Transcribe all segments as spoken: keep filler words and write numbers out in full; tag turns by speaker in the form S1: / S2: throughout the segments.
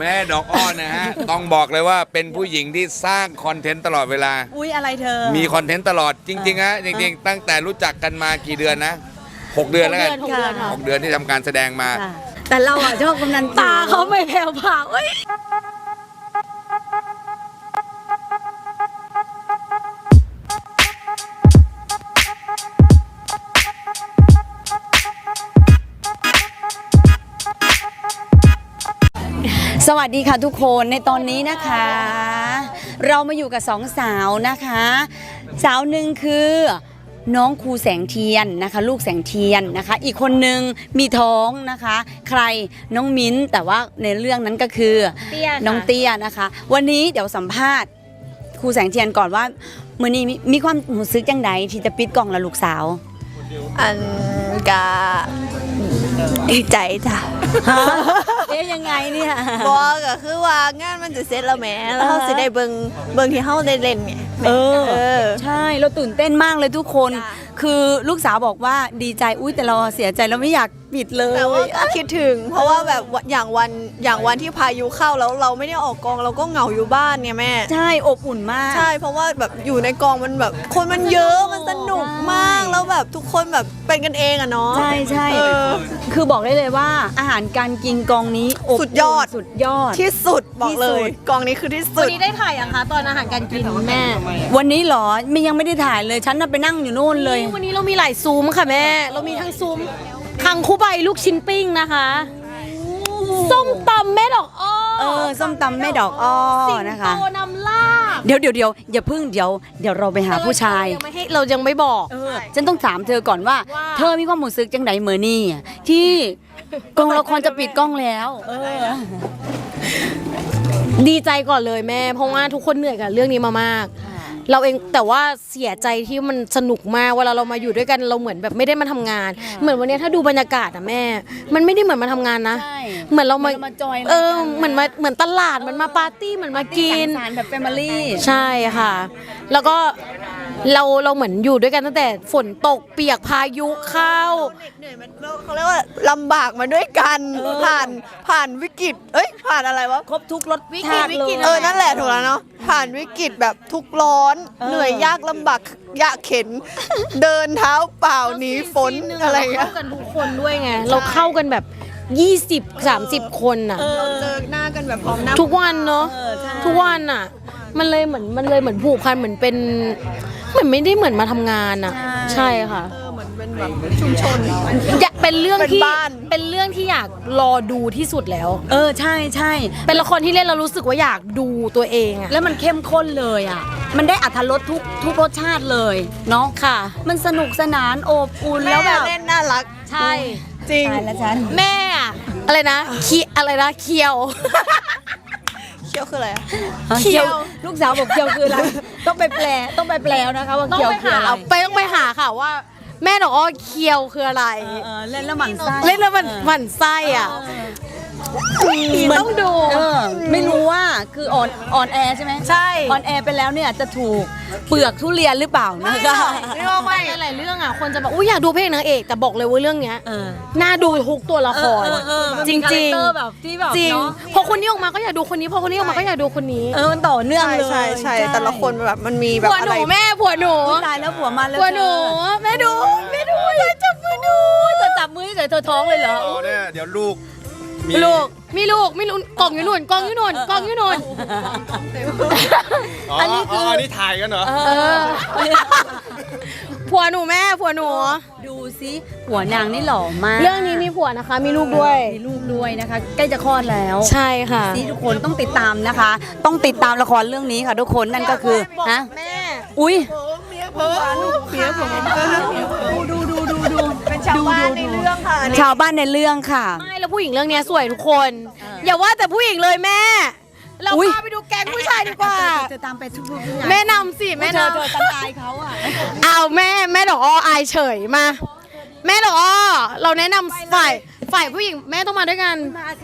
S1: แม่ดอกอ้อนะฮะ ต้องบอกเลยว่าเป็นผู้หญิงที่สร้างคอนเทนต์ตลอดเวลา
S2: อุ๊ยอะไรเธอ
S1: มีคอนเทนต์ตลอดจริงๆฮะจริงๆตั้งแต่รู้จักกันมากี่เดือนนะหกเดือนแล้วกัน
S2: หกเดือนค่ะ
S1: หกเดือนที่ทำการแสดงมา
S2: แต่เราอ่ะชอบกำนันตาเขาไม่แผ่วเผาเอ้ยสวัสดีค่ะทุกคนในตอนนี้นะคะ เรามาอยู่กับสองสาวนะคะ สาวหนึ่งคือน้องครูแสงเทียนนะคะลูกแสงเทียนนะคะอีกคนนึงมีท้องนะคะใครน้องมิ้นแต่ว่าในเรื่องนั้นก็คือน้องเตี้ยนะคะวันนี้เดี๋ยวสัมภาษณ์ครูแสงเทียนก่อนว่ามื้อนี้มีความรู้สึกจังใดที่จะปิดกล้องละลูกสาว
S3: อันกะดีใจจ้ะ
S2: เอ๊ยยังไงเนี่ย
S3: บอกก็คือว่างานมันจะเสร็จแล้วแหมแล้วเขาสิได้เบิ่งเบิ่งที่เขาได้เล่นไง
S2: เออใช่เราตื่นเต้นมากเลยทุกคนคือลูกสาวบอกว่าดีใจอุ้ยแต่เราเสียใจเราไม่อยากปิดเลย
S3: แต่ว่าก็คิดถึงเพราะว่าแบบอย่างวันอย่างวันที่พายุเข้าแล้วเราไม่ได้ออกกองเราก็เหงาอยู่บ้านไงแม่
S2: ใช่อบอุ่นมาก
S3: ใช่เพราะว่าแบบอยู่ในกองมันแบบคนมันเยอะมันสนุกมากแล้วแบบทุกคนแบบเป็นกันเองอะเนาะ
S2: ใช่ใช่คือบอกได้เลยว่าอาหารการกินกองนี้
S3: สุดยอด
S2: สุดยอด
S3: ที่สุดบอกเลยกองนี้คือที่สุด
S4: วันนี้ได้ถ่ายยังคะตอนอาหารการกินแม่
S2: วันนี้หรอไม่ยังไม่ได้ถ่ายเลยฉันน่ะไปนั่งอยู่โน่นเลย
S4: วันนี้เรามีหลายซุ้มค่ะแม่เรามีทั้งซุ้มคังคูใบลูกชิ้นปิ้งนะคะส้มตำแม่ดอกอ้อ
S2: เออส้มตำแม่ดอกอ้อนะคะ
S4: สิงโตนำลาบ
S2: เดี๋ยวเดี๋ยวเดี๋ยวอย่าพึ่งเดี๋ยวเดี๋ยวเราไปหาผู้ชาย
S4: ยังไม่ให้เรายังไม่บอก
S2: ฉันต้องถามเธอก่อนว่าเธอมีความรู้สึกจังไดเมื่อนี่ที่กองละครจะปิดกล้องแล้ว
S4: ดีใจก่อนเลยแม่เพราะว่าทุกคนเหนื่อยกับเรื่องนี้มามากเราเองแต่ว่าเสียใจที่มันสนุกมากเวลาเรามาอยู่ด้วยกันเราเหมือนแบบไม่ได้มาทำงานเหมือนวันนี้ถ้าดูบรรยากาศอะแม่มันไม่ได้เหมือนมาทำงานนะเหมือนเรามาเออเหมือนมาเหมือนตลาดเหมือนมาปาร์ตี้เหมือนมากิน
S2: แบบแฟมิลี่
S4: ใช่ค่ะแล้วก็เราเราเหมือนอยู่ด้วยกันตั้งแต่ฝนตกเปียกพายุเข้า
S3: เหนื่อยมันเขาเรียกว่าลำบากมาด้วยกันผ่านผ่านวิกฤตเอ้ยผ่านอะไรวะ
S2: ครบทุกรถ
S4: วิกฤตวิกฤต
S3: เออนั่นแหละถูกแล้วเนาะผ่านวิกฤตแบบทุกร้อนเหนื่อยยากลำบากยากเข็นเดินเท้าเปล่าหนีฝนอะไรเงี้ย
S4: เข้ากันทุกคนด้วยไงเราเข้ากันแบบยี่สิบ สามสิบคนน่ะ
S3: เราเจอหน้ากันแบบพร้อมหน้า
S4: ทุกวันเนาะทุกวันน่ะมันเลยเหมือนมันเลยเหมือนผูกพันเหมือนเป็นเหมือนไม่ได้เหมือนมาทำงานน่ะใช่ค่ะ
S3: เหมือนเป็นแบบชุมชน
S4: อยากเป็นเรื่องที่เป็นเรื่องที่อยากรอดูที่สุดแล้ว
S2: เออใช่ใช่
S4: เป็นละครที่เล่นเรารู้สึกว่าอยากดูตัวเองอะ
S2: แล้วมันเข้มข้นเลยอะมันได้อรรถรสทุกทุกรสชาติเลยเนาะ
S4: ค่ะ
S2: มันสนุกสนานโอบอุ่นแล้วแบบ
S3: เล่นน่ารัก
S4: ใช่
S3: จริง
S2: แล้วฉัน
S4: แม่อะไรนะคีอะไรนะเคียว
S3: เคียวคืออะไรอะ
S2: เคียวลูกสาวบอกเคียวคืออะไรต้องไปแปลต้องไปแปลนะคะว่าเคียวคืออะไร
S4: ไปต้องไปหาค่ะว่าแม่ดอกอ้อเคียวคืออะไร
S2: เล่นแล้วหมั่นไส้
S4: เล่นแล้วมันหมั่นไส้อ่ะต้องดู
S2: ไม่รู้ว่าคือออนออนแอร์ใช่ไหม
S4: ใช่
S2: ออนแอร์ไปแล้วเนี่ยจะถูกเปลือกทุเรียนหรือเปล่านะคะ
S4: ไม่ว่าไม่หลายเรื่องอ่ะคนจะบอกอุ้ยอยากดูเพลงนางเอกแต่บอกเลยว่าเรื่องเนี้ยน่าดูทุกตัวละครจริงจริงจริงพอคนนี้ออกมาก็อยากดูคนนี้พอคนนี้ออกมาก็อยากดูคนนี้
S2: เออมันต่อเนื่องเลย
S3: ใช่ใช่แต่ละคนแบบมันมีแบบ
S4: ผัวหนูแม่ผัวหนู
S2: ตายแล้วผัวมาแล้ว
S4: ผัวหนูแม่ดูแม่ดูเลยจับมือดู
S2: จะจับมือเฉยเธอท้องเลยเหรอ
S1: เนี่ยเดี๋ยวลูก
S4: ลูกมีลูกมีลูกกล่องอยู่นู่นกล่องอยู่นู่นกล่องอยู่นู่น
S1: อันนี้คืออันนี้ถ่ายกันเหรอ
S4: ผัวหนูแม่ผัวหนู
S2: ดูซิผัวนางนี่หล่อมาก
S4: เรื่องนี้มีผัวนะคะมีลูกด้วย
S2: มีลูกด้วยนะคะใกล้จะคลอดแล้ว
S4: ใช่ค่ะ
S2: นี่ทุกคนต้องติดตามนะคะ ต้องติดตามละครเรื่องนี้ค่ะทุกคนนั่นก็คือฮะ
S4: แม่
S2: อุ้ย
S3: เมียผมเมียผมดูดูดูดูเป็นชาวบ้านในเรื่องค่ะ
S2: ชาวบ้านในเรื่องค่ะ
S4: ไม่แล้วผู้หญิงเรื่องนี้สวยทุกคนอย่าว่าแต่ผู้หญิงเลยแม่เราพาไปดูแก๊งผู้ชายดีกว่า
S2: จะตามไปทุก
S4: แม่นำสิแม่นำ
S2: เธอตั้งใจเขาอ่ะ
S4: เอาแม่แม่ดอกอ้ออายเฉยมาแม่ดอกอ้อเราแนะนำฝ่ายฝ่ายผู้หญิงแม่ต้องมาด้วยกัน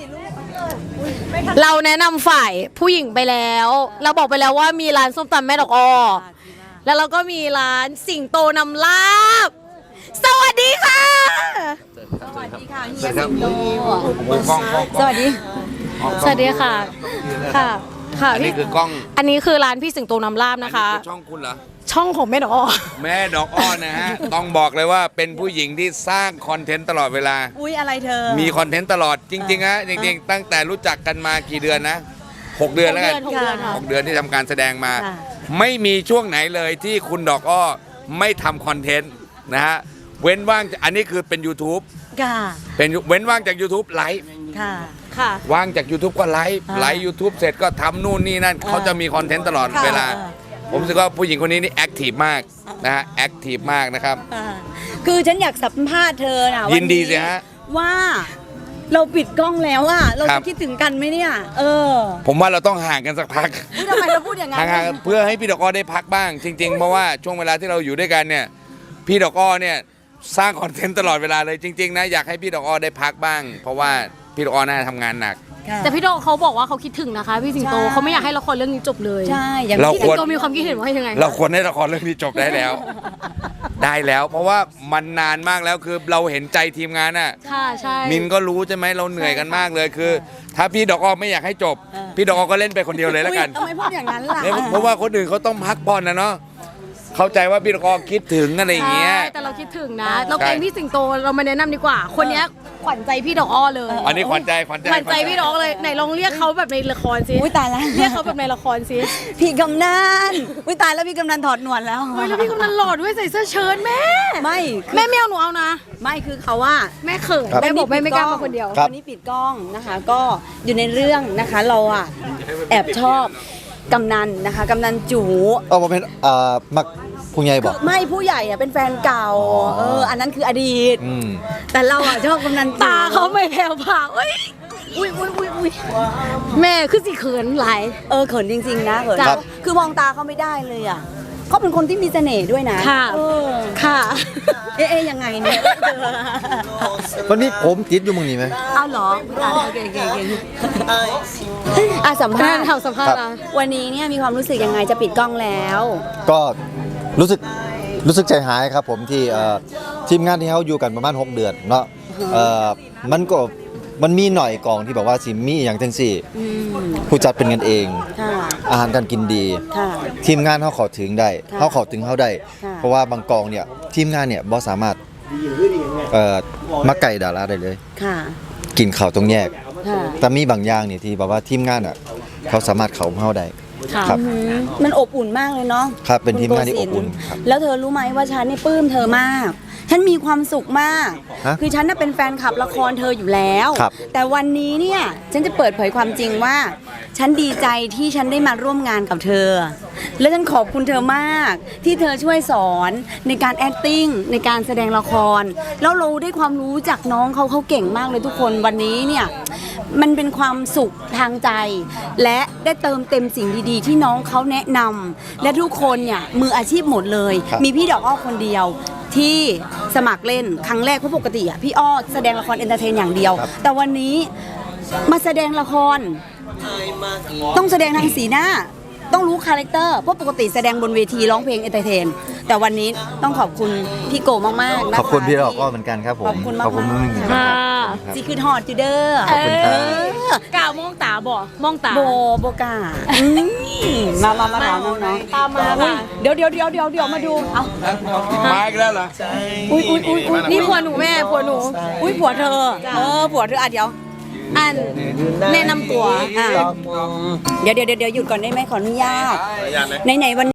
S4: เราแนะนำฝ่ายผู้หญิงไปแล้วเราบอกไปแล้วว่ามีร้านส้มตำแม่ดอกอ้อแล้วเราก็มีร้านสิงโตนำลาบสวัสดีค่ะ
S2: สวัสดีค่ะเฮียสิงโตสวัสดี
S4: สวัสดีค่ะ ค่ะ ค่ะ
S1: อันนี้
S4: พี่
S1: คือกล้อง
S4: อันนี้คือร้านพี่สิงโตน้ำลาบ
S1: อัน
S4: นะ
S1: นี้
S4: คะ
S1: คือช่องคุณเหรอ
S4: ช่องของแม่ดอกอ้อ
S1: แม่ดอกอ้อนะฮะ ต้องบอกเลยว่าเป็นผู้หญิงที่สร้างคอนเทนต์ตลอดเวลา
S2: อุ้ยอะไรเธอ
S1: มีคอนเทนต์ตลอดจริงๆฮะจริงๆ ตั้งแต่รู้จักกันมากี่เดือนนะหกเดือนแล้วกัน
S4: หกเดือนค่ะ
S1: หกเดือนที่ทำการแสดงมา
S2: ค่ะ
S1: ไม่มีช่วงไหนเลยที่คุณดอกอ้อไม่ทำคอนเทนต์นะฮะเว้นว่างอันนี้คือเป็น YouTube
S2: ค่ะ
S1: เป็นเว้นว่างจาก YouTube ไลฟ์
S2: ค่ะ
S4: ค่ะ
S1: ว่างจาก YouTube ก็ไลฟ์
S2: อ่า
S1: ไลฟ์ YouTube เสร็จก็ทำนู่นนี่นั่น
S2: อ่า
S1: เขาจะมีคอนเทนต์ตลอด
S2: ค่ะ
S1: เวลา
S2: อ่า
S1: ผมรู้สึกว่าผู้หญิงคนนี้นี่แอคทีฟมากนะฮะแอคทีฟมากนะครับ
S2: อ่าคือฉันอยากสัมภาษณ์เธอนะ
S1: ยินดี
S2: วั
S1: สิฮะ
S2: ว่าเราปิดกล้องแล้วอะเรา
S1: ครั
S2: จะ
S1: บ
S2: คิดถึงกันไหมเนี่ย เออ
S1: ผมว่าเราต้องห่างกันสักพัก
S2: อุ๊ยทำไมเราพูดอย่างนั้น
S1: ห่างๆเพื่อให้พี่ดอกอ้อได้พักบ้าง จริง ๆ เพราะว่าช่วงเวลาที่เราอยู่ด้วยกันเนี่ยพี่ดอกอ้อเนี่ยสร้างคอนเทนต์ตลอดเวลาเลยจริง ๆ นะอยากให้พี่ดอกอ้อได้พักบ้าง เพราะว่าพี่ดอกอ้อน่าจะทำงานหนัก
S2: ค่ะ
S4: แต่พี่ดอกเขาบอกว่าเขาคิดถึงนะคะ พี่สิงโต
S2: ใช่
S4: เขาไม่อยากให้ละครเรื่องนี้จบเลย
S2: ใช่ อย่าง
S1: เรา
S2: ที่
S1: ค
S4: พี่
S1: ว
S4: สิงโตมีความคิดเห็นว่ายังไง
S1: เราควรให้ละครเรื่องนี้จบได้แล้ว ได้แล้ว เพราะว่ามันนานมากแล้วคือเราเห็นใจทีมงานน่ะ
S4: ค่ะ ใช่
S1: มินก็รู้ใช่ไหมเราเหนื่อยกันมากเลยคือ ถ้าพี่ดอกอ้อไม่อยากให้จบ พี่ดอกอ้อก็เล่นไปคนเดียวเลยแล้วกัน
S2: อุ๊ยทำไมพูดอย่างนั้นล่ะ
S1: เนี่ยเพราะว่าคนอื่นเขาต้องพักผ่อนนะเนาะเข้าใจว่าพี่ดอกอ้อคิดถึงอะไรอย่างเงี้ย
S4: ใช่แต่เราคิดถึงนะ เราเกรงพี่สิงโตเรามาแนะนำดีกว่า คนเนี้ยขวัญใจพี่ดอกอ้อเลย
S1: อันนี้ขวัญใจขวัญใจ
S4: ขวัญใจพี่ดอกเลยไหนลองเรียกเขาแบบในละครสิ
S2: อุ้ยตายแล้ว
S4: เรียกเขาแบบในละครสิ
S2: พี่กำนันอุ้ยตายแล้วพี่กำนันถอดหนวดแล้ว
S4: เฮ้ยแล้วพี่กำนันหล่อด้วยใส่เสื้อเชิ้ตแม่
S2: ไม่คือ
S4: แม่ไม่เอาหนูเอานะ
S2: ไม่คือเขาว่า
S4: แม่เขิน
S5: ครับ
S4: แม่บอกแม่ไม่กล้ามาคนเดียว
S5: ครับ
S2: วันนี้ปิดกล้องนะคะ ก็อยู่ในเรื่องนะคะเราอ่ะแอบชอบกำนันนะคะกำนันจู
S5: เออผมเป็นอ่ามักผู้ใหญ่บอก
S2: ไม่ผู้ใหญ่อะเป็นแฟนเก่า
S5: อ๋อ
S2: เอออันนั้นคืออดีต
S5: อืม
S2: แต่เราอ่ะชอบกำนันจู
S4: ตาเขาไม่แผ่วผ่าเอ้ยอุ้ยอุ้ยอุ้ยอุ้ยแม่คือสิเขินหลาย
S2: เออเขินจริง ๆ นะเขิน
S5: ครับ
S2: คือมองตาเขาไม่ได้เลยอ่ะเขาเป็นคนที่มีเสน่ห์ด้วยนะ
S4: ค่ะ
S2: เออ
S4: ค่ะ
S2: เอ๊ะเอ๊ะยังไงเนี่ย
S5: วันนี้ผมติดอยู่มึงนี่ไหม
S2: เอาเหรออ่ะโอเคโอเคโอเคอ่ะสัม
S4: แม่
S2: ภาษณ์
S4: ทำสัมภาษณ์นะ
S2: วันนี้เนี่ยมีความรู้สึกยังไงจะปิดกล้องแล้ว
S5: ก็รู้สึกรู้สึกใจหายครับผมที่เอ่อทีมงานที่เขาอยู่กันประมาณหกเดือนเนาะเอ่อมันก็มันมีหน่อยกองที่แบบว่าสิมีอหย่างจังสี่
S2: อืม
S5: ผู้จัดเป็นกันเอง
S2: ค่ะ
S5: อาหารการกินดี
S2: ค่ะ
S5: ทีมงานเขาเขอถึงได้
S2: ค่ะ
S5: เขาเขอถึงเขาได้
S2: ค่ะ
S5: เพราะว่าบางกองเนี่ยทีมงานเนี่ยบ่สามารถเอ่อมาไก่ดาราได้เลย
S2: ค่ะ
S5: กินข้าวต้องแยก
S2: ค่ะ
S5: แต่มีบางอย่างเนี่ยที่แบบว่าทีมงานอ่ะเขาสามารถเขาเข้าได้
S4: ค่ะ
S5: ครับ
S2: อืมมันอบอุ่นมากเลยเนาะ
S5: ครับเป็นทีมงานที่
S2: คุณ
S5: อบ
S2: โก
S5: อุ่น
S2: ศิลป์
S5: ครับ
S2: แล้วเธอรู้ไหมว่าฉันนี่ปลื้มเธอมาก ฉันมีความสุขมาก
S5: ฮะ
S2: คือฉันน่ะเป็นแฟนคลับละครเธออยู่แล้ว
S5: ครับ
S2: แต่วันนี้เนี่ยฉันจะเปิดเผยความจริงว่า ฉันดีใจที่ฉันได้มาร่วมงานกับเธอ และฉันขอบคุณเธอมาก ที่เธอช่วยสอนในการ acting ในการแสดงละคร แล้วเราได้ความรู้จากน้องเขาเขาเก่งมากเลยทุกคนวันนี้เนี่ยมันเป็นความสุขทางใจ และได้เติมเต็มสิ่งดีๆ ที่น้องเขาแนะนำและทุกคนเนี่ยมืออาชีพหมดเลย
S5: ครับ
S2: มีพี่ดอกอ้อคนเดียวที่สมัครเล่นครั้งแรกเพราะปกติอ่ะพี่อ้อแสดงละครเอนเตอร์เทนอย่างเดียว แต่วันนี้มาแสดงละคร ต้องแสดงทางสีหน้า ต้องรู้คาแรคเตอร์เพราะปกติแสดงบนเวทีร้องเพลงเอนเตอร์เทน แต่วันนี้ต้องขอบคุณพี่โกมากๆนะคะ
S5: ขอบคุณพี่ดอกก็เหมือนกันครับผม
S2: ขอบคุณมาก
S5: ขอบคุณ
S2: ๆ
S5: มากๆ
S2: ค่ะ
S5: ครับ
S2: จีคือทอดจูเดอร์
S5: ขอบคุณครับ
S4: กล่าวมองตาบ่มองตา
S2: โบโบกาอืมมามามาถามน้อง
S4: ตามมา
S2: ๆอุ๊ย
S4: ค่ะ
S2: เดี๋ยวเดี๋ยวเดี๋ยวเดี๋ยวเดี๋ยวมาดูเอา
S1: มาอีกแล้วเหรอ
S2: อุ้ยอุ้ยอุ้ยอุ้ย
S4: นี่ผัวหนูแม่ผัวหนู
S2: อุ้ยผัวเธอ เออผัวเธออ่ะเดี๋ยว
S4: อันแนะนำตัว
S2: อ่ะเดี๋ยวเดี๋ยวเดี๋ยวหยุดก่อนได้ไหมขออนุญาตไหนไหนๆวัน